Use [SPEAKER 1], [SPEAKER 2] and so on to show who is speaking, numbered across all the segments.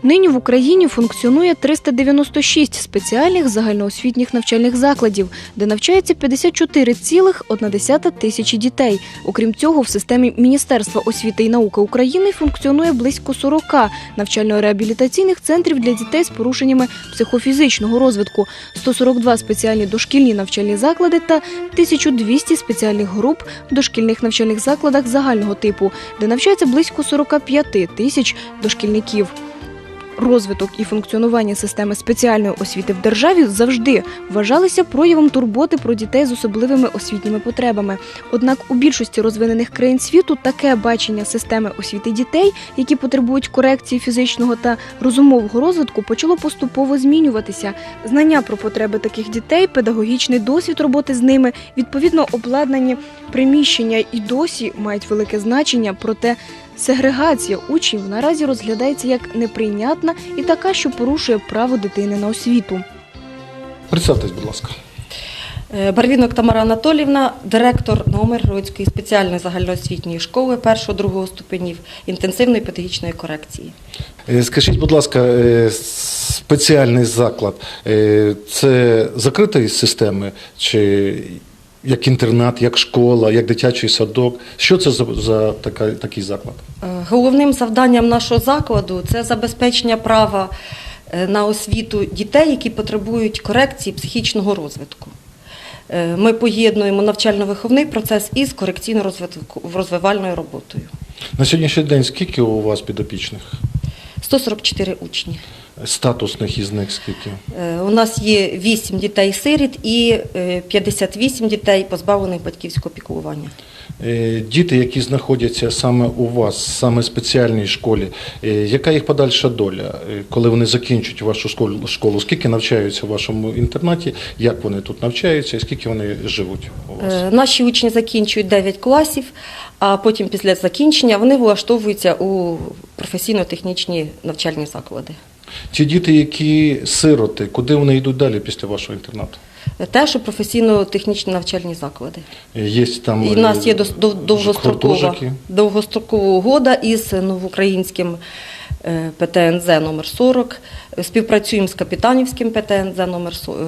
[SPEAKER 1] Нині в Україні функціонує 396 спеціальних загальноосвітніх навчальних закладів, де навчається 54,1 тисячі дітей. Окрім цього, в системі Міністерства освіти і науки України функціонує близько 40 навчально-реабілітаційних центрів для дітей з порушеннями психофізичного розвитку, 142 спеціальні дошкільні навчальні заклади та 1200 спеціальних груп в дошкільних навчальних закладах загального типу, де навчається близько 45 тисяч дошкільників. Розвиток і функціонування системи спеціальної освіти в державі завжди вважалися проявом турботи про дітей з особливими освітніми потребами. Однак у більшості розвинених країн світу таке бачення системи освіти дітей, які потребують корекції фізичного та розумового розвитку, почало поступово змінюватися. Знання про потреби таких дітей, педагогічний досвід роботи з ними, відповідно обладнані приміщення і досі мають велике значення, проте сегрегація учнів наразі розглядається як неприйнятна і така, що порушує право дитини на освіту.
[SPEAKER 2] Представтесь, будь ласка.
[SPEAKER 3] Барвінок Тамара Анатоліївна, директор Новомиргородської спеціальної загальноосвітньої школи 1-2 ступенів інтенсивної педагогічної корекції.
[SPEAKER 2] Скажіть, будь ласка, спеціальний заклад – це закритої системи чи як інтернат, як школа, як дитячий садок? Що це за такий заклад?
[SPEAKER 3] Головним завданням нашого закладу – це забезпечення права на освіту дітей, які потребують корекції психічного розвитку. Ми поєднуємо навчально-виховний процес із корекційно-розвивальною роботою.
[SPEAKER 2] На сьогоднішній день скільки у вас підопічних?
[SPEAKER 3] 144 учні.
[SPEAKER 2] Статусних із них скільки?
[SPEAKER 3] У нас є 8 дітей-сиріт і 58 дітей, позбавлених батьківського піклування.
[SPEAKER 2] Діти, які знаходяться саме у вас, саме в спеціальній школі, яка їх подальша доля, коли вони закінчують вашу школу? Скільки навчаються в вашому інтернаті, як вони тут навчаються і скільки вони живуть у вас?
[SPEAKER 3] Наші учні закінчують 9 класів, а потім після закінчення вони влаштовуються у професійно-технічні навчальні заклади.
[SPEAKER 2] Ті діти, які сироти, куди вони йдуть далі після вашого інтернату?
[SPEAKER 3] Теж у професійно-технічні навчальні заклади.
[SPEAKER 2] Є там
[SPEAKER 3] і у нас є довгострокова угода із новоукраїнським ПТНЗ номер 40. Співпрацюємо з Капітанівським ПТНЗ номер 40.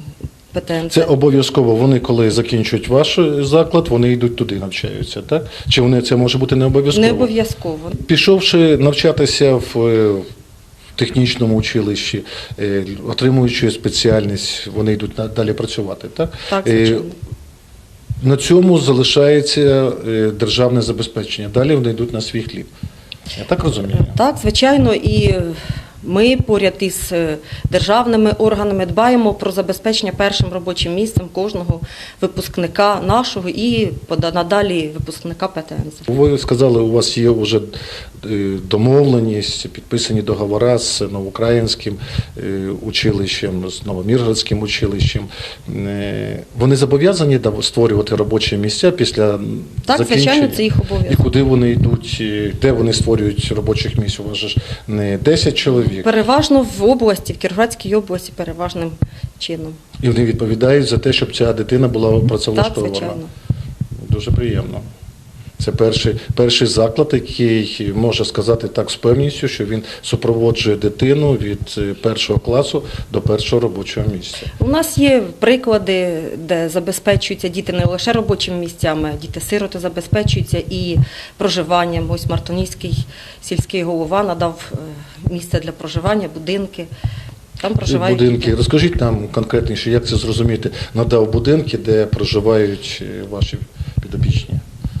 [SPEAKER 2] Це обов'язково, вони коли закінчують ваш заклад, вони йдуть туди, навчаються, так? Чи вони це може бути не обов'язково?
[SPEAKER 3] Не обов'язково.
[SPEAKER 2] Пішовши навчатися в технічному училищі, отримуючи спеціальність, вони йдуть далі працювати, так?
[SPEAKER 3] Так, звичайно.
[SPEAKER 2] На цьому залишається державне забезпечення. Далі вони йдуть на свій хліб. Я так розумію? Так,
[SPEAKER 3] звичайно. І ми поряд із державними органами дбаємо про забезпечення першим робочим місцем кожного випускника нашого і надалі випускника ПТНЗ.
[SPEAKER 2] Ви сказали, у вас є вже домовленість, підписані договори з Новоукраїнським училищем, з Новомиргородським училищем. Вони зобов'язані створювати робочі місця після закінчення?
[SPEAKER 3] Так, звичайно, це їх обов'язок.
[SPEAKER 2] І куди вони йдуть, де вони створюють робочих місць? У вас ж не 10 чоловік.
[SPEAKER 3] Переважно в області, в Кіровоградській області переважним чином.
[SPEAKER 2] І вони відповідають за те, щоб ця дитина була працевлаштована?
[SPEAKER 3] Так, звичайно. Дуже
[SPEAKER 2] приємно. Це перший заклад, який може сказати так з певністю, що він супроводжує дитину від 1 класу до 1-го робочого місця.
[SPEAKER 3] У нас є приклади, де забезпечуються діти не лише робочими місцями, діти-сироти забезпечуються і проживанням. Ось Мартонівський сільський голова надав місце для проживання, будинки. Там проживають
[SPEAKER 2] будинки.
[SPEAKER 3] діти.
[SPEAKER 2] Розкажіть нам конкретніше, як це зрозуміти. Надав будинки, де проживають ваші підопічні?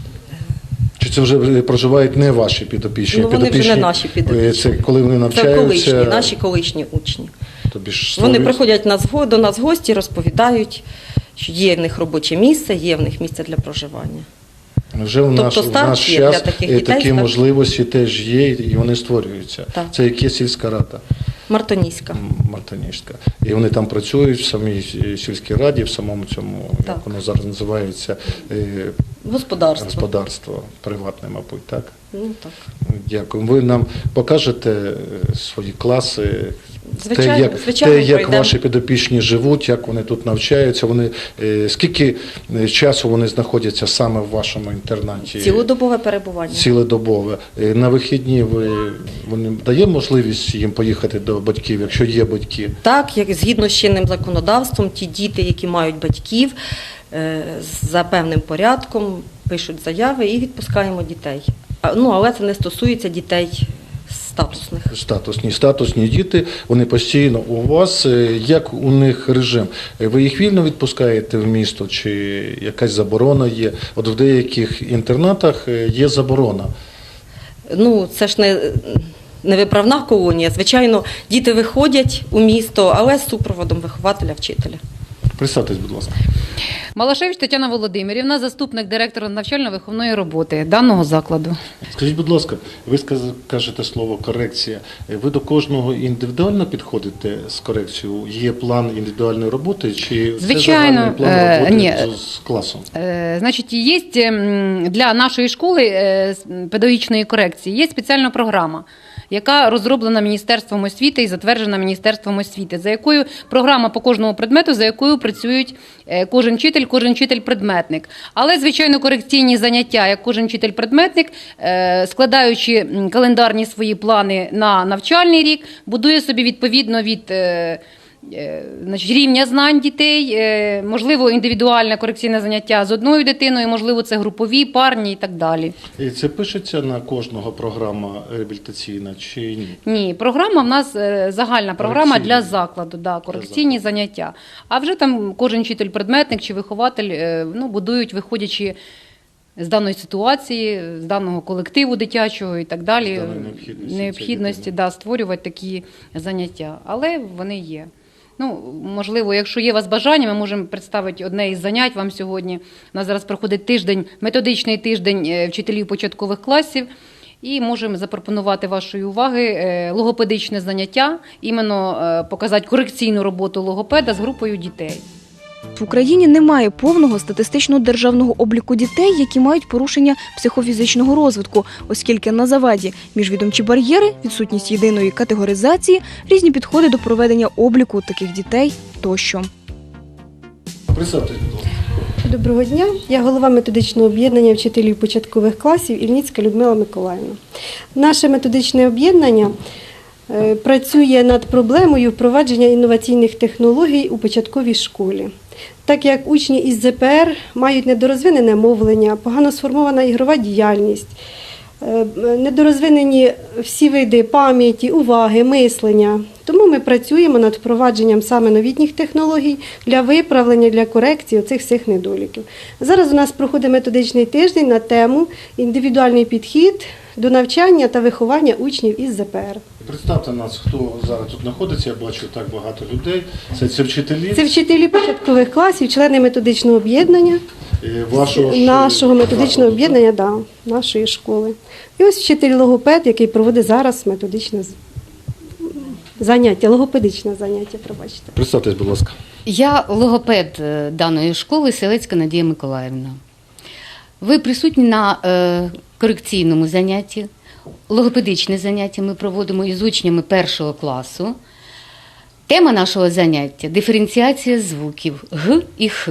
[SPEAKER 2] Чи це вже проживають не ваші підопічні?
[SPEAKER 3] Ну, вони вже не наші підопічні.
[SPEAKER 2] Це коли вони навчаються?
[SPEAKER 3] Це наші колишні учні.
[SPEAKER 2] Вони
[SPEAKER 3] Вони приходять до нас в гості, розповідають, що є в них робоче місце, є в них місце для проживання.
[SPEAKER 2] Вже в наш час такі можливості теж є, і вони створюються.
[SPEAKER 3] Так.
[SPEAKER 2] Це яке сільська рада?
[SPEAKER 3] Мартонівська.
[SPEAKER 2] Мартонівська. І вони там працюють в самій сільській раді, в самому цьому,
[SPEAKER 3] так,
[SPEAKER 2] як воно зараз називається, господарство приватне, мабуть, так?
[SPEAKER 3] Ну, так.
[SPEAKER 2] Дякую. Ви нам покажете свої класи,
[SPEAKER 3] Звичайно,
[SPEAKER 2] те, як
[SPEAKER 3] пройдемо.
[SPEAKER 2] ваші підопічні живуть, як вони тут навчаються, скільки часу вони знаходяться саме в вашому інтернаті?
[SPEAKER 3] Цілодобове перебування.
[SPEAKER 2] Цілодобове. На вихідні вони дає можливість їм поїхати до батьків, якщо є батьки?
[SPEAKER 3] Так, як згідно з чинним законодавством, ті діти, які мають батьків, за певним порядком пишуть заяви і відпускаємо дітей. Але це не стосується дітей статусних.
[SPEAKER 2] Статусні діти, вони постійно у вас. Як у них режим? Ви їх вільно відпускаєте в місто, чи якась заборона є? От в деяких інтернатах є заборона.
[SPEAKER 3] Це ж не виправна колонія. Звичайно, діти виходять у місто, але з супроводом вихователя, вчителя.
[SPEAKER 2] Представтесь, будь ласка.
[SPEAKER 4] Малашевич Тетяна Володимирівна, заступник директора навчально-виховної роботи даного закладу.
[SPEAKER 2] Скажіть, будь ласка, ви кажете слово корекція. Ви до кожного індивідуально підходите з корекцією? Є план індивідуальної роботи чи
[SPEAKER 4] Звичайно,
[SPEAKER 2] це загальний план роботи
[SPEAKER 4] ні.
[SPEAKER 2] з класом?
[SPEAKER 4] Значить, є для нашої школи педагогічної корекції є спеціальна програма, яка розроблена Міністерством освіти і затверджена Міністерством освіти, за якою програма по кожному предмету, за якою працюють кожен вчитель-предметник. Але, звичайно, корекційні заняття, як кожен вчитель-предметник, складаючи календарні свої плани на навчальний рік, будує собі відповідно від рівня знань дітей, можливо, індивідуальне корекційне заняття з одною дитиною, можливо, це групові, парні і так далі.
[SPEAKER 2] І це пишеться на кожного програма реабілітаційна чи ні?
[SPEAKER 4] Ні, програма в нас загальна програма для закладу, корекційні заняття. А вже там кожен вчитель-предметник чи вихователь будують, виходячи з даної ситуації, з даного колективу дитячого і так далі, необхідності створювати такі заняття. Але вони є. Можливо, якщо є у вас бажання, ми можемо представити одне із занять вам сьогодні. У нас зараз проходить методичний тиждень вчителів початкових класів, і можемо запропонувати вашої уваги логопедичне заняття, іменно показати корекційну роботу логопеда з групою дітей.
[SPEAKER 1] В Україні немає повного статистичного державного обліку дітей, які мають порушення психофізичного розвитку, оскільки на заваді міжвідомчі бар'єри, відсутність єдиної категоризації, різні підходи до проведення обліку таких дітей тощо.
[SPEAKER 2] Представтесь, будь ласка.
[SPEAKER 5] Доброго дня. Я голова методичного об'єднання вчителів початкових класів Ільницька Людмила Миколаївна. Наше методичне об'єднання працює над проблемою впровадження інноваційних технологій у початковій школі. Так як учні із ЗПР мають недорозвинене мовлення, погано сформована ігрова діяльність, недорозвинені всі види пам'яті, уваги, мислення. Тому ми працюємо над впровадженням саме новітніх технологій для виправлення, для корекції оцих всіх недоліків. Зараз у нас проходить методичний тиждень на тему «Індивідуальний підхід до навчання та виховання учнів із ЗПР».
[SPEAKER 2] Представте нас, хто зараз тут знаходиться, я бачу так багато людей. Це вчителі?
[SPEAKER 5] Це вчителі початкових класів, члени методичного об'єднання, нашого методичного об'єднання, нашої школи. І ось вчитель-логопед, який проводить зараз методичне заняття, логопедичне заняття, пробачте.
[SPEAKER 2] Представтесь, будь ласка.
[SPEAKER 6] Я логопед даної школи, Селецька Надія Миколаївна. Ви присутні на корекційному занятті. Логопедичне заняття ми проводимо із учнями першого класу. Тема нашого заняття – диференціація звуків Г і Х.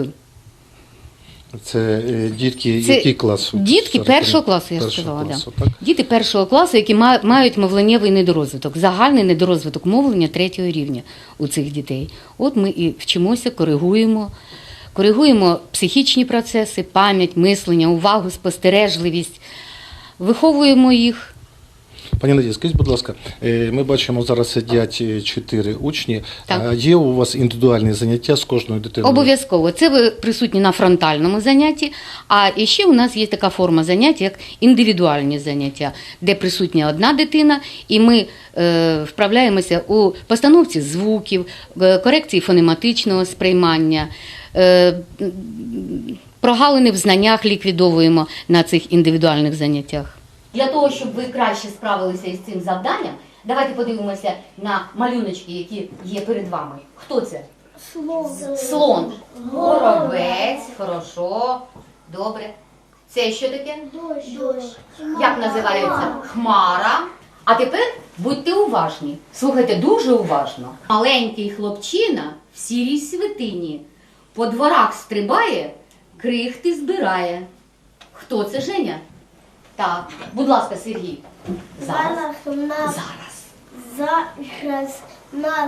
[SPEAKER 2] Це дітки який клас?
[SPEAKER 6] Дітки першого класу, я сказала.
[SPEAKER 2] Так?
[SPEAKER 6] Діти першого класу, які мають мовленнєвий недорозвиток, загальний недорозвиток мовлення 3-го рівня у цих дітей. От ми і вчимося, коригуємо психічні процеси, пам'ять, мислення, увагу, спостережливість, виховуємо їх.
[SPEAKER 2] Пані Надія, скажіть, будь ласка, ми бачимо, зараз сидять 4 учні.
[SPEAKER 6] Так.
[SPEAKER 2] А є у вас індивідуальні заняття з кожною дитиною?
[SPEAKER 6] Обов'язково. Це ви присутні на фронтальному занятті, а ще у нас є така форма заняття, як індивідуальні заняття, де присутня одна дитина, і ми вправляємося у постановці звуків, корекції фонематичного сприймання, прогалини в знаннях ліквідовуємо на цих індивідуальних заняттях.
[SPEAKER 7] Для того, щоб ви краще справилися із цим завданням, давайте подивимося на малюночки, які є перед вами. Хто це? Слон. Горобець. Хорошо. Добре. Це що таке?
[SPEAKER 8] Дощ.
[SPEAKER 7] Як називається? Хмара. А тепер будьте уважні, слухайте дуже уважно. Маленький хлопчина в сірій свитині по дворах стрибає, крихти збирає. Хто це, Женя? Так, будь ласка, Сергій. Зараз.
[SPEAKER 8] Зараз нас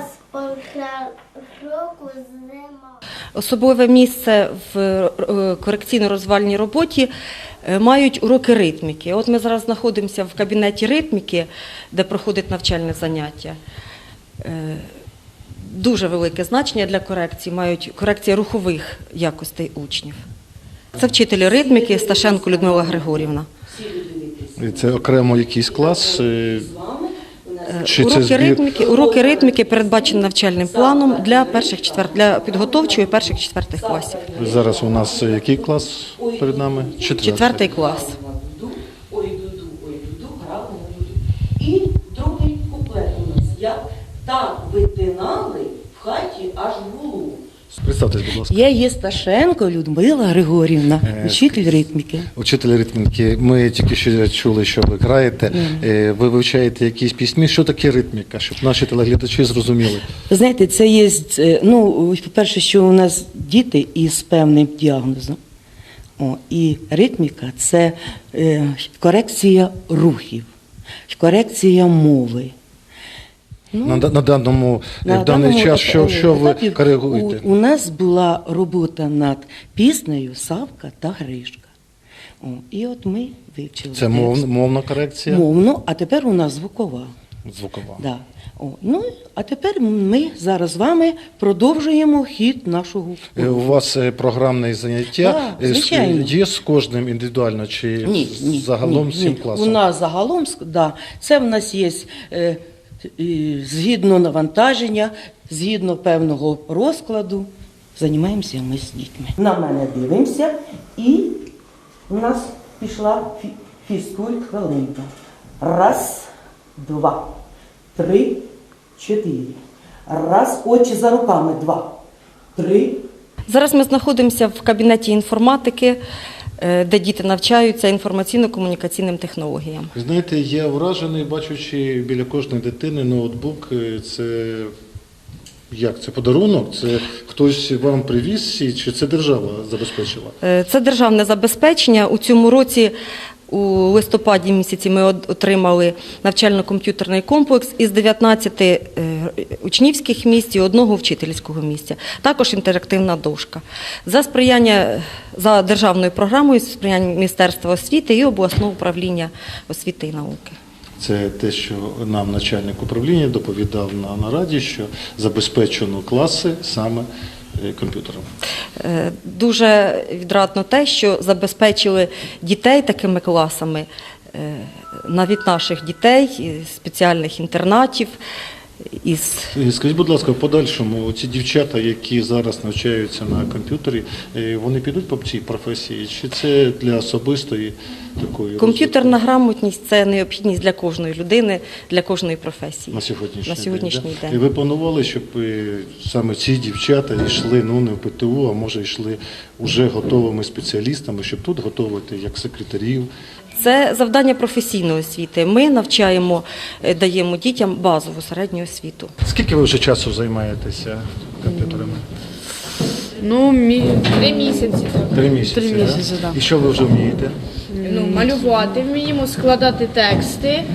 [SPEAKER 8] року зима.
[SPEAKER 3] Особливе місце в корекційно-розвивальній роботі мають уроки ритміки. От ми зараз знаходимося в кабінеті ритміки, де проходить навчальне заняття. Дуже велике значення для корекції мають корекція рухових якостей учнів. Це вчитель ритміки Сташенко Людмила Григорівна.
[SPEAKER 2] І це окремо якийсь клас? Чи це
[SPEAKER 3] Уроки ритміки передбачені навчальним планом для підготовчої перших-четвертих класів.
[SPEAKER 2] Зараз у нас який клас перед нами?
[SPEAKER 3] Четвертий клас.
[SPEAKER 9] Ой, дуду, грали на дуду. І другий куплет у нас. Як так витинали в хаті аж гулу.
[SPEAKER 2] Представтесь, будь ласка.
[SPEAKER 9] Я є Сташенко Людмила Григорівна, вчитель ритміки.
[SPEAKER 2] Учитель ритміки. Ми тільки що чули, що ви граєте. Ви вивчаєте якісь пісні. Що таке ритміка, щоб наші телеглядачі зрозуміли?
[SPEAKER 9] Ви знаєте, це є, по-перше, що у нас діти із певним діагнозом. І ритміка – це корекція рухів, корекція мови.
[SPEAKER 2] В даний час, що ви
[SPEAKER 9] етапі
[SPEAKER 2] коригуєте?
[SPEAKER 9] У нас була робота над піснею «Савка та Гришка». І от ми вивчили.
[SPEAKER 2] Це мовна корекція?
[SPEAKER 9] Мовно, а тепер у нас звукова.
[SPEAKER 2] Звукова.
[SPEAKER 9] Да. А тепер ми зараз з вами продовжуємо хід нашого.
[SPEAKER 2] У вас програмне заняття
[SPEAKER 9] звичайно.
[SPEAKER 2] Є з кожним індивідуально чи загалом всім класом?
[SPEAKER 9] У нас загалом, це в нас є згідно навантаження, згідно певного розкладу, займаємося ми з дітьми. На мене дивимося і у нас пішла фізкульт хвилинка. Раз, два, три, чотири. Раз, очі за руками. Два, три.
[SPEAKER 3] Зараз ми знаходимося в кабінеті інформатики, де діти навчаються інформаційно-комунікаційним технологіям.
[SPEAKER 2] Знаєте, я вражений, бачучи біля кожної дитини ноутбук. Це як? Це подарунок? Це хтось вам привіз чи це держава забезпечила?
[SPEAKER 3] Це державне забезпечення. У цьому році у листопаді місяці ми отримали навчально-комп'ютерний комплекс із 19 учнівських місць і 1 вчительського місця. Також інтерактивна дошка. За державною програмою сприяння Міністерства освіти і обласного управління освіти і науки.
[SPEAKER 2] Це те, що нам начальник управління доповідав на нараді, що забезпечено класи саме комп'ютером.
[SPEAKER 3] Дуже відрадно те, що забезпечили дітей такими класами, навіть наших дітей, спеціальних інтернатів.
[SPEAKER 2] Скажіть, будь ласка, в подальшому ці дівчата, які зараз навчаються на комп'ютері, вони підуть по цій професії? Чи це для особистої такої
[SPEAKER 3] Комп'ютерна грамотність – це необхідність для кожної людини, для кожної професії.
[SPEAKER 2] На сьогоднішній день. І ви планували, щоб саме ці дівчата йшли не в ПТУ, а може йшли вже готовими спеціалістами, щоб тут готувати як секретарів?
[SPEAKER 3] Це завдання професійної освіти. Ми навчаємо, даємо дітям базову середню освіту.
[SPEAKER 2] Скільки ви вже часу займаєтеся комп'ютерами?
[SPEAKER 10] 3 місяці.
[SPEAKER 2] 3 місяці,
[SPEAKER 10] 3 місяці, так.
[SPEAKER 2] І що ви вже вмієте?
[SPEAKER 10] Малювати вміємо, складати тексти.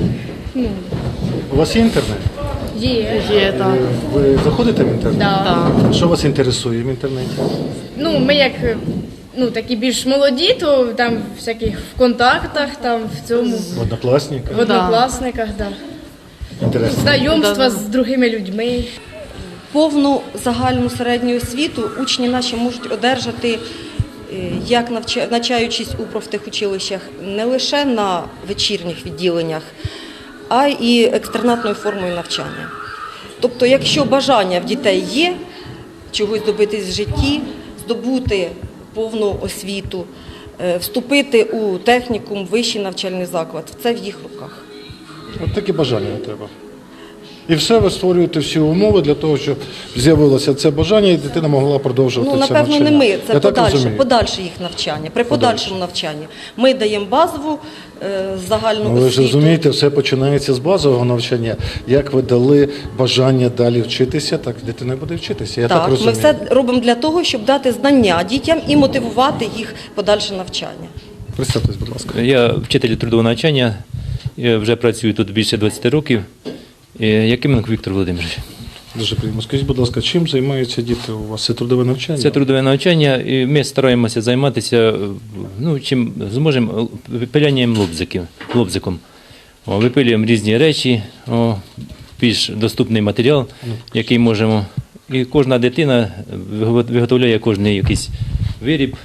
[SPEAKER 2] У вас є інтернет?
[SPEAKER 10] Є, так.
[SPEAKER 2] Ви заходите в інтернет?
[SPEAKER 10] Так.
[SPEAKER 2] Що вас інтересує в інтернеті?
[SPEAKER 10] Ми як такі більш молоді, то там в всяких контактах, там в цьому,
[SPEAKER 2] В Однокласниках?
[SPEAKER 10] в однокласниках, так.
[SPEAKER 2] Інтересно.
[SPEAKER 10] Знайомства з другими людьми.
[SPEAKER 3] Повну загальну середню освіту учні наші можуть одержати, як навчаючись у профтехучилищах, не лише на вечірніх відділеннях, а й екстернатною формою навчання. Тобто, якщо бажання в дітей є чогось добитись в житті, здобути повну освіту, вступити у технікум, вищий навчальний заклад, це в їх руках.
[SPEAKER 2] От таке бажання треба. І все, ви створюєте всі умови для того, щоб з'явилося це бажання, і дитина могла продовжувати
[SPEAKER 3] Ну,
[SPEAKER 2] це
[SPEAKER 3] напевно,
[SPEAKER 2] навчання.
[SPEAKER 3] не ми, це
[SPEAKER 2] Я так
[SPEAKER 3] подальше,
[SPEAKER 2] розумію.
[SPEAKER 3] подальше їх навчання. При подальшому навчанні ми даємо базову загальну
[SPEAKER 2] Ну, ви ж
[SPEAKER 3] освіту.
[SPEAKER 2] розумієте, все починається з базового навчання. Як ви дали бажання далі вчитися, так дитина і буде вчитися. Я так
[SPEAKER 3] Так, ми
[SPEAKER 2] розумію.
[SPEAKER 3] все робимо для того, щоб дати знання дітям і мотивувати їх в подальше навчання.
[SPEAKER 2] Представтесь, будь ласка.
[SPEAKER 11] Я вчитель трудового навчання, я вже працюю тут більше 20 років. Якименко Віктор Володимирович.
[SPEAKER 2] Дуже приємно. Скажіть, будь ласка, чим займаються діти у вас? Це трудове навчання?
[SPEAKER 11] Це трудове навчання, і ми стараємося займатися, ну, чим зможемо, випилянням лобзиком. Випилюємо різні речі, більш доступний матеріал, який можемо. І кожна дитина виготовляє кожний якийсь виріб,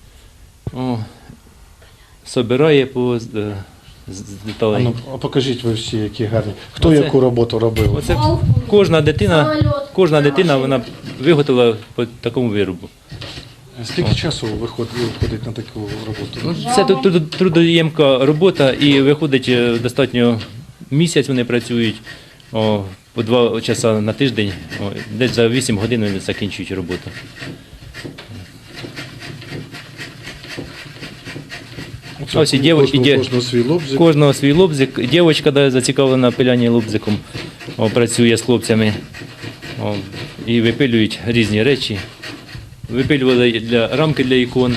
[SPEAKER 11] собирає по деталей.
[SPEAKER 2] А покажіть ви всі, які гарні. Хто яку роботу робив?
[SPEAKER 11] Оце кожна дитина вона виготовила по такому виробу.
[SPEAKER 2] Скільки часу виходить на таку роботу?
[SPEAKER 11] Це трудоємка робота і виходить достатньо місяць вони працюють, по 2 часа на тиждень, десь за 8 годин вони закінчують роботу. Ось і
[SPEAKER 2] Кожного свій лобзик.
[SPEAKER 11] Кожного свій лобзик. Дівчинка зацікавлена пиляння лобзиком, працює з хлопцями і випилюють різні речі. Випилювали рамки для ікон.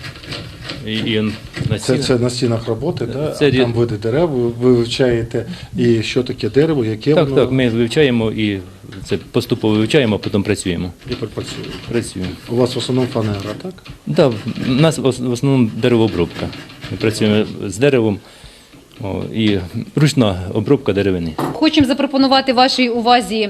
[SPEAKER 2] Це на стінах роботи, да?
[SPEAKER 11] Це
[SPEAKER 2] Там види дерев, ви вивчаєте, і що таке дерево, яке воно?
[SPEAKER 11] Так, ми вивчаємо і це поступово вивчаємо, а потім працюємо.
[SPEAKER 2] І працюємо. У вас в основному фанера, так?
[SPEAKER 11] Так, у нас в основному деревообробка. Ми працюємо з деревом і ручна обробка деревини.
[SPEAKER 4] Хочемо запропонувати вашій увазі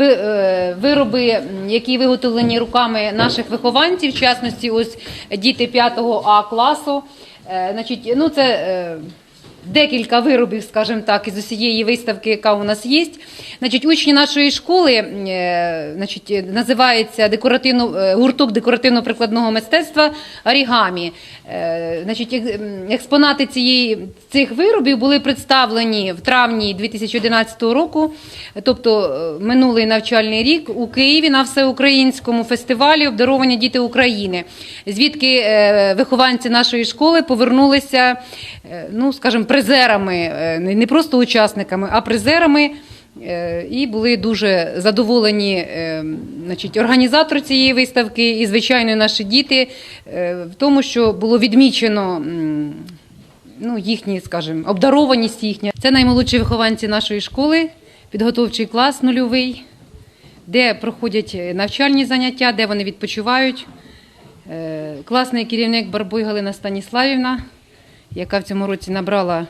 [SPEAKER 4] вироби, які виготовлені руками наших вихованців, в частності ось діти 5 А класу. Значить, ну це декілька виробів, скажімо так, із усієї виставки, яка у нас є. Значить, учні нашої школи, значить, називається гурток декоративно-прикладного мистецтва «Орігамі». Значить, експонати цих виробів були представлені в травні 2011 року, тобто минулий навчальний рік, у Києві на всеукраїнському фестивалі «Обдаровані діти України», звідки вихованці нашої школи повернулися, ну, скажімо, призерами, не просто учасниками, а призерами, і були дуже задоволені, значить, організатор цієї виставки і, звичайно, наші діти в тому, що було відмічено, ну, їхні, скажімо, обдарованість їхня. Це наймолодші вихованці нашої школи, підготовчий клас нульовий, де проходять навчальні заняття, де вони відпочивають. Класний керівник Барбуй Галина Станіславівна, яка в цьому році набрала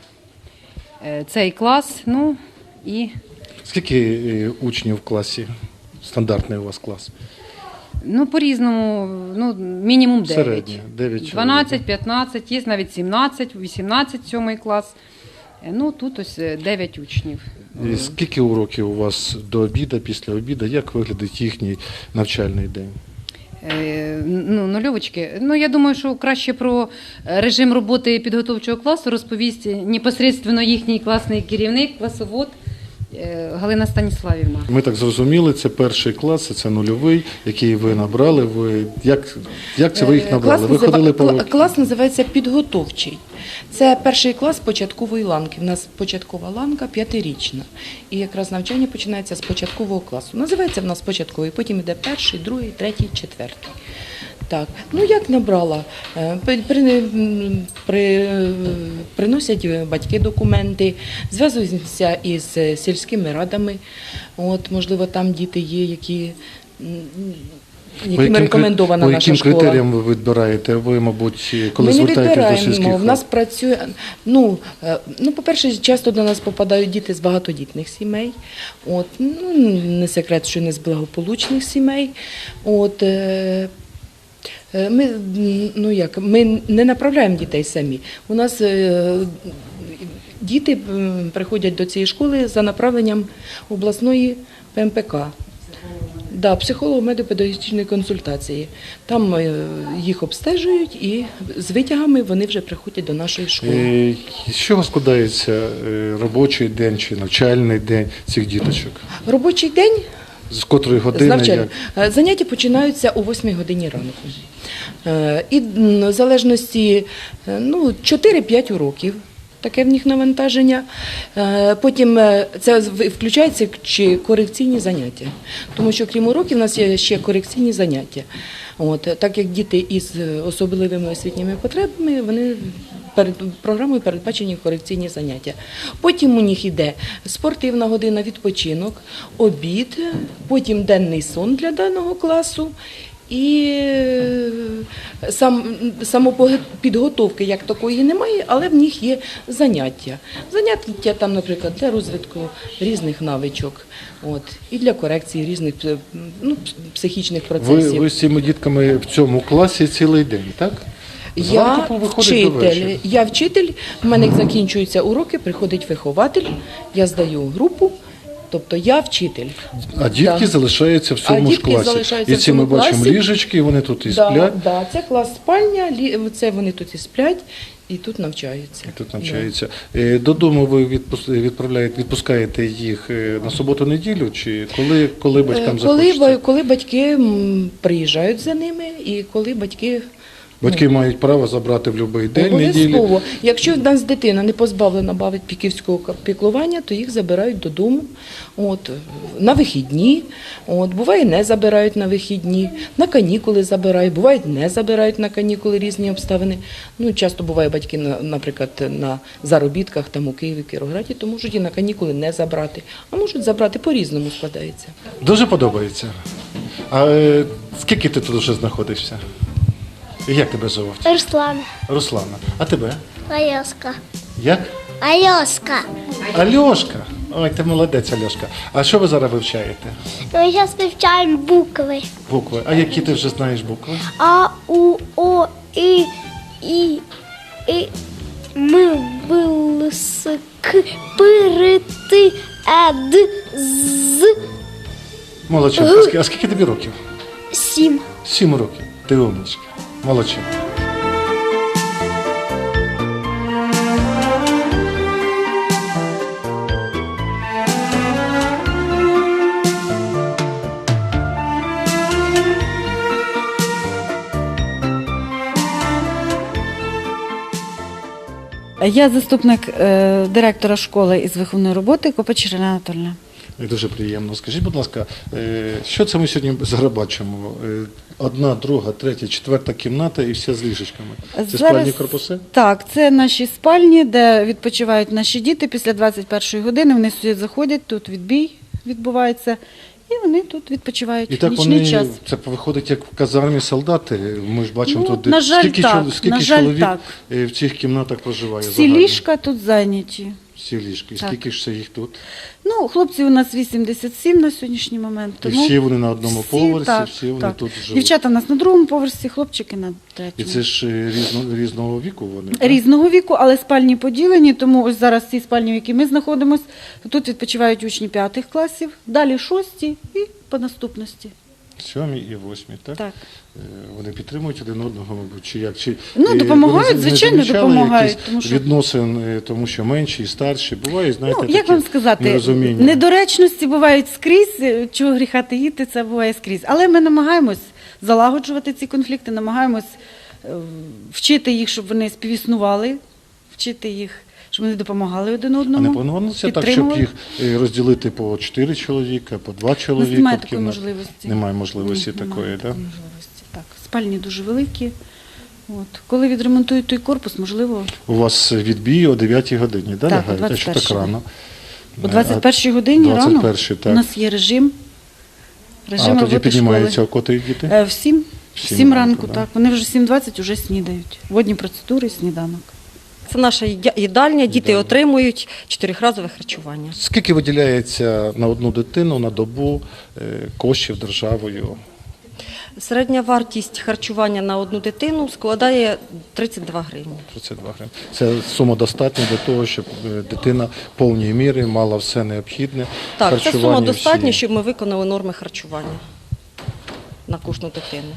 [SPEAKER 4] цей клас. Ну, і...
[SPEAKER 2] Скільки учнів в класі? Стандартний у вас клас?
[SPEAKER 4] Ну, по-різному, ну, мінімум 9.
[SPEAKER 2] Середньо, 9 чоловік.
[SPEAKER 4] 12, 15, є навіть 17, 18, 7 клас. Ну, тут ось 9 учнів.
[SPEAKER 2] І скільки уроків у вас до обіду, після обіду? Як виглядить їхній навчальний день?
[SPEAKER 4] Ну, нульовочки. Ну, я думаю, що краще про режим роботи підготовчого класу розповість непосередньо їхній класний керівник, класовод Галина Станіславівна.
[SPEAKER 2] Ми так зрозуміли, це перший клас, це нульовий, який ви набрали. Як це ви їх набрали? Ви ходили по...
[SPEAKER 12] Клас називається підготовчий. Це перший клас початкової ланки. У нас початкова ланка 5-річна. І якраз навчання починається з початкового класу. Називається в нас початковий, потім йде перший, другий, третій, четвертий. Так, ну як набрала? Приносять батьки документи, зв'язуються із сільськими радами. От, можливо, там діти є, яким рекомендована наша школа.
[SPEAKER 2] По яким критеріям ви відбираєте? Ви, мабуть, коли
[SPEAKER 12] Ми не
[SPEAKER 2] звертаєтесь до сільських рад?
[SPEAKER 12] В нас працює, по-перше, часто до нас попадають діти з багатодітних сімей. От, ну, не секрет, що не з благополучних сімей. От, ми не направляємо дітей самі. У нас діти приходять до цієї школи за направленням обласної ПМПК. Да, психолого-медико-педагогічної консультації. Там їх обстежують і з витягами вони вже приходять до нашої школи.
[SPEAKER 2] З чого складається робочий день чи навчальний день цих діточок?
[SPEAKER 12] Робочий день
[SPEAKER 2] З котрої
[SPEAKER 12] з
[SPEAKER 2] години?
[SPEAKER 12] навчання. Заняття починаються о 8 годині ранку. І в залежності 4-5 уроків. Таке в них навантаження. Потім це включається чи корекційні заняття. Тому що крім уроків у нас є ще корекційні заняття. Так як діти із особливими освітніми потребами, вони перед програмою передбачені корекційні заняття. Потім у них йде спортивна година, відпочинок, обід, потім денний сон для даного класу. І самопідготовки як такої немає, але в них є заняття. Заняття там, наприклад, для розвитку різних навичок, і для корекції різних психічних процесів.
[SPEAKER 2] Ви з цими дітками в цьому класі цілий день, так?
[SPEAKER 12] Я вчитель, в мене закінчуються уроки, приходить вихователь, я здаю групу. Тобто я вчитель.
[SPEAKER 2] А дітки залишаються в цьому ж класі. І ці ми бачимо ліжечки, вони тут і сплять.
[SPEAKER 12] Так, це клас спальня, це вони тут і сплять, і тут навчаються.
[SPEAKER 2] Додому ви відпускаєте їх на суботу-неділю, чи коли батькам захочеться?
[SPEAKER 12] Коли батьки приїжджають за ними, і коли батьки...
[SPEAKER 2] Батьки мають право забрати в будь-який день неділі.
[SPEAKER 12] Обов'язково. Якщо в нас дитина не позбавлена батьківського піклування, то їх забирають додому на вихідні. Буває, не забирають на вихідні, на канікули забирають, буває, не забирають на канікули, різні обставини. Часто буває батьки, наприклад, на заробітках там у Києві, Кіровограді, то можуть і на канікули не забрати, а можуть забрати, по-різному складається.
[SPEAKER 2] Дуже подобається. А скільки ти тут вже знаходишся? Як тебе звуть?
[SPEAKER 8] Руслана.
[SPEAKER 2] Руслана. А тебе?
[SPEAKER 8] Альошка.
[SPEAKER 2] Як?
[SPEAKER 8] Альошка.
[SPEAKER 2] Альошка. Ой, ти молодець, Альошка. А що ви зараз вивчаєте?
[SPEAKER 8] Ми зараз вивчаємо букви.
[SPEAKER 2] Букви. А які ти вже знаєш букви?
[SPEAKER 8] А, У, О, І, М, Б, С, К, П, Р, Т, Е, Д, З.
[SPEAKER 2] Молодчинка. А скільки тобі років?
[SPEAKER 8] 7.
[SPEAKER 2] 7 років. Ти умничка. Молодчинка.
[SPEAKER 13] Я заступник директора школи із виховної роботи Копач Ірина Анатольовна.
[SPEAKER 2] Дуже приємно. Скажіть, будь ласка, що це ми сьогодні зараз бачимо? 1, 2, 3, 4 кімната і все з ліжечками. Це спальні корпуси?
[SPEAKER 13] Так, це наші спальні, де відпочивають наші діти після 21-ї години. Вони сюди заходять, тут відбій відбувається. І вони тут відпочивають в нічний час.
[SPEAKER 2] Це виходить як в казармі солдати. Ми ж бачимо тут,
[SPEAKER 13] на жаль,
[SPEAKER 2] скільки чоловік в цих кімнатах проживає.
[SPEAKER 13] Всі ліжка тут зайняті.
[SPEAKER 2] Всі ліжки. Скільки ж це їх тут?
[SPEAKER 13] Хлопців у нас 87 на сьогоднішній момент.
[SPEAKER 2] І всі вони на одному поверсі, всі вони тут живуть.
[SPEAKER 13] Дівчата у нас на другому поверсі, хлопчики на третьому.
[SPEAKER 2] І це ж різного віку вони?
[SPEAKER 13] Різного віку, але спальні поділені, тому ось зараз ці спальні, в якій ми знаходимося, тут відпочивають учні 5 класів, далі 6 і по наступності.
[SPEAKER 2] 7 і 8, так?
[SPEAKER 13] Так.
[SPEAKER 2] Вони підтримують один одного, мабуть, чи як?
[SPEAKER 13] Допомагають, звичайно, допомагають.
[SPEAKER 2] Відносин, тому що менші і старші, буває, знаєте,
[SPEAKER 13] як вам сказати,
[SPEAKER 2] нерозуміння.
[SPEAKER 13] Недоречності бувають скрізь, чого гріха таїти, це буває скрізь. Але ми намагаємось залагоджувати ці конфлікти, намагаємось вчити їх, щоб вони співіснували, вчити їх, щоб вони допомагали один одному.
[SPEAKER 2] А не планувалося так, щоб їх розділити по 4 чоловіка, по 2 чоловіка?
[SPEAKER 13] Немає такої можливості.
[SPEAKER 2] Немає можливості такої, так?
[SPEAKER 13] Так, спальні дуже великі. Коли відремонтують той корпус, можливо...
[SPEAKER 2] У вас відбій о 9 годині, так?
[SPEAKER 13] Так,
[SPEAKER 2] А що так рано?
[SPEAKER 13] О 21 годині рано. У нас є режим
[SPEAKER 2] роботи тоді піднімаються котрі діти?
[SPEAKER 13] В 7 ранку, так. Вони вже 7:20 вже снідають. Водні процедури, сніданок.
[SPEAKER 3] Це наша їдальня, діти отримують 4-разове харчування.
[SPEAKER 2] Скільки виділяється на одну дитину на добу коштів державою?
[SPEAKER 3] Середня вартість харчування на одну дитину складає 32 гривні.
[SPEAKER 2] 32 гривні. Це сума достатня для того, щоб дитина в повній мірі мала все необхідне.
[SPEAKER 3] Так, це сума достатня, щоб ми виконали норми харчування. на кожну дитину.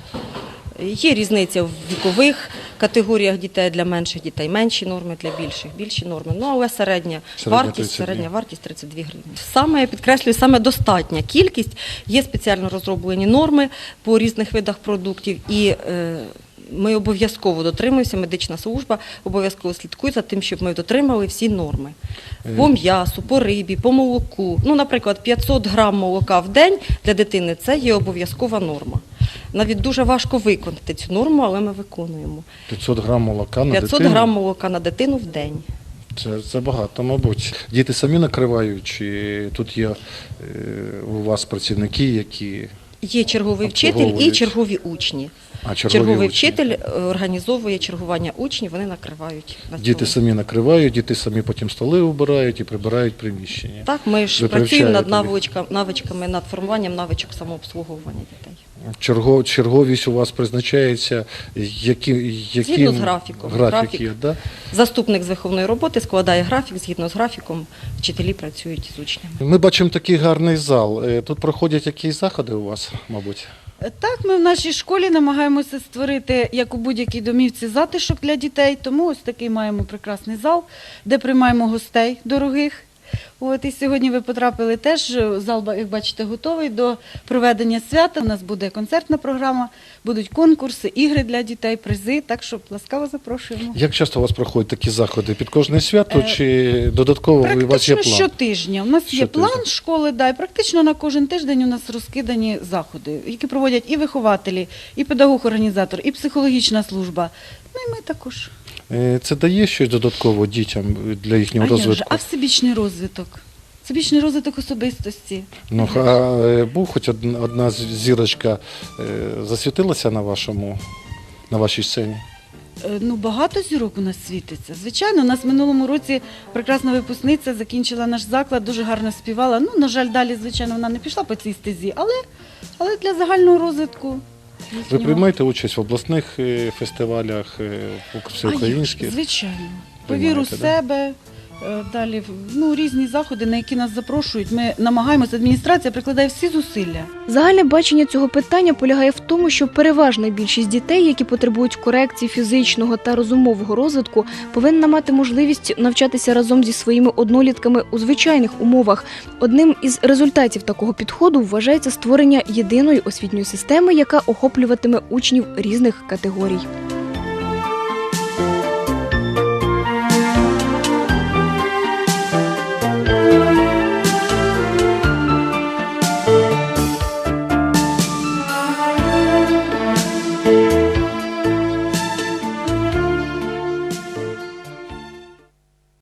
[SPEAKER 3] Є різниця в вікових категоріях дітей, для менших дітей менші норми, для більших більші норми. Ну, але середня вартість 32 гривні. Саме, я підкреслюю, саме достатня кількість. Є спеціально розроблені норми по різних видах продуктів, і ми обов'язково дотримуємося, медична служба обов'язково слідкує за тим, щоб ми дотримали всі норми. По м'ясу, по рибі, по молоку. Ну, наприклад, 500 грам молока в день для дитини – це є обов'язкова норма. Навіть дуже важко виконати цю норму, але ми виконуємо.
[SPEAKER 2] 500 грам молока на
[SPEAKER 3] 500
[SPEAKER 2] дитину?
[SPEAKER 3] грам молока на дитину в день.
[SPEAKER 2] Це багато, мабуть. Діти самі накривають, чи тут є у вас працівники, які...
[SPEAKER 3] Є черговий вчитель і чергові учні. Черговий вчитель організовує чергування учнів, вони накривають.
[SPEAKER 2] Діти самі накривають, діти самі потім столи убирають і прибирають приміщення.
[SPEAKER 3] Так, ми ж працюємо над навичками, над формуванням навичок самообслуговування дітей.
[SPEAKER 2] Черговість у вас призначається
[SPEAKER 3] згідно з графіком.
[SPEAKER 2] Графік, да?
[SPEAKER 3] Заступник з виховної роботи складає графік, згідно з графіком вчителі працюють з учнями.
[SPEAKER 2] Ми бачимо такий гарний зал. Тут проходять якісь заходи у вас, мабуть?
[SPEAKER 13] Так, ми в нашій школі намагаємося створити, як у будь-якій домівці, затишок для дітей, тому ось такий маємо прекрасний зал, де приймаємо гостей дорогих. І сьогодні ви потрапили теж, зал, як бачите, готовий до проведення свята. У нас буде концертна програма, будуть конкурси, ігри для дітей, призи, так що ласкаво запрошуємо.
[SPEAKER 2] Як часто у вас проходять такі заходи? Під кожне свято чи додатково у вас є план?
[SPEAKER 13] Практично щотижня. У нас є план школи, і практично на кожен тиждень у нас розкидані заходи, які проводять і вихователі, і педагог-організатор, і психологічна служба. Ну і ми також.
[SPEAKER 2] Це дає щось додатково дітям для їхнього розвитку?
[SPEAKER 13] А всебічний розвиток? Всебічний розвиток особистості.
[SPEAKER 2] Ну, а був хоч одна зірочка, засвітилася на вашій сцені?
[SPEAKER 13] Ну, багато зірок у нас світиться. Звичайно, у нас в минулому році прекрасна випускниця закінчила наш заклад, дуже гарно співала. Ну, на жаль, далі, звичайно, вона не пішла по цій стезі, але для загального розвитку.
[SPEAKER 2] Ви приймаєте участь в обласних фестивалях, всеукраїнських?
[SPEAKER 13] Звичайно. Повіру в себе, далі різні заходи, на які нас запрошують. Ми намагаємося, адміністрація прикладає всі зусилля.
[SPEAKER 1] Загальне бачення цього питання полягає в тому, що переважна більшість дітей, які потребують корекції фізичного та розумового розвитку, повинна мати можливість навчатися разом зі своїми однолітками у звичайних умовах. Одним із результатів такого підходу вважається створення єдиної освітньої системи, яка охоплюватиме учнів різних категорій.